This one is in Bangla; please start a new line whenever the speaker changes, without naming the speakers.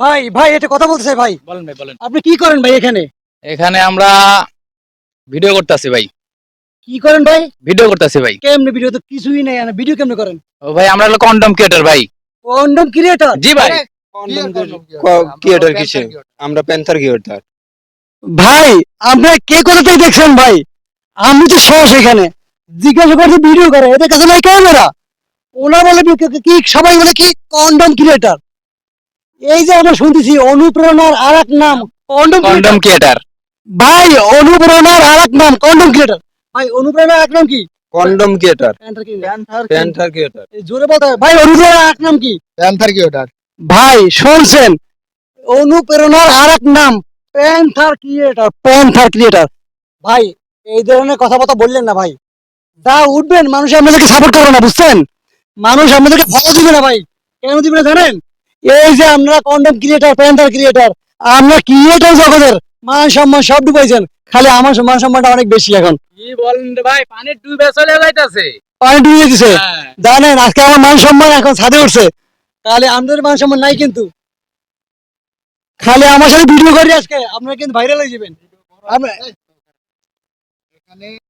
ভাই ভাই এটা কথা বলতে চাই ভাই।
বলেন ভাই বলেন।
আপনি কি করেন ভাই এখানে?
এখানে আমরা ভিডিও করতেছি ভাই।
কি করেন ভাই?
ভিডিও করতেছি ভাই।
কেমনে ভিডিও তো কিছুই নাই, ভিডিও কেমনে করেন?
ও ভাই আমরা হলো কন্ডম ক্রিয়েটর ভাই।
Condom creator?
জি ভাই।
ক্রিয়েটর কিসে? আমরা প্যান্থার ক্রিয়েটর।
ভাই আমরা কে কোথা থেকে দেখছেন ভাই? আমি তো সহ সেখানে জিজ্ঞাসা করছি ভিডিও করে, এদের কাছে নাই ক্যামেরা। ওনা বলে কি সবাই বলে কি কন্ডম ক্রিয়েটর। এই যে আমরা শুনতেছি অনুপ্রেরণার আর এক নাম কন্ডম
কন্ডম
ক্রিয়েটর।
ক্রিয়েটর।
ভাই অনুপ্রেরণার আর এক নাম কন্ডম ক্রিয়েটর। ভাই অনুপ্রেরণার এক নাম কি?
Condom creator.
Panther
creator.
জোরে বলতে হবে। ভাই অনুপ্রেরণার এক নাম কি?
Panther creator.
ভাই শুনছেন, অনুপ্রেরণার আর এক নাম প্যান্থার ক্রিয়েটর, প্যান্থার ক্রিয়েটর। ভাই এই ধরনের কথাবার্তা বললেন না ভাই। যা উঠবেন মানুষ আপনাদেরকে সাপোর্ট করবে না, বুঝছেন? মানুষ আপনাদেরকে ফলো দিবে না ভাই। কেন দিবে না জানেন? এই যে আপনারা কন্ডম ক্রিয়েটর, প্যান্থার ক্রিয়েটর, আমরা ক্রিয়েটর জগতের মান সম্মান সব ডুবাইছেন। খালি আমার মান সম্মানটা অনেক বেশি এখন।
কি বলেন রে ভাই, পানি ডুবে চলে যাইতাছে।
পানি ডুবিয়ে দিছে।
হ্যাঁ।
জানেন আজকে আমার মান সম্মান এখন ছাদে উঠছে। তাহলে আমাদের মান সম্মান নাই কিন্তু। খালি আমার সাথে ভিডিও করি আজকে আপনারা কিন্তু ভাইরাল হয়ে যাবেন। আমরা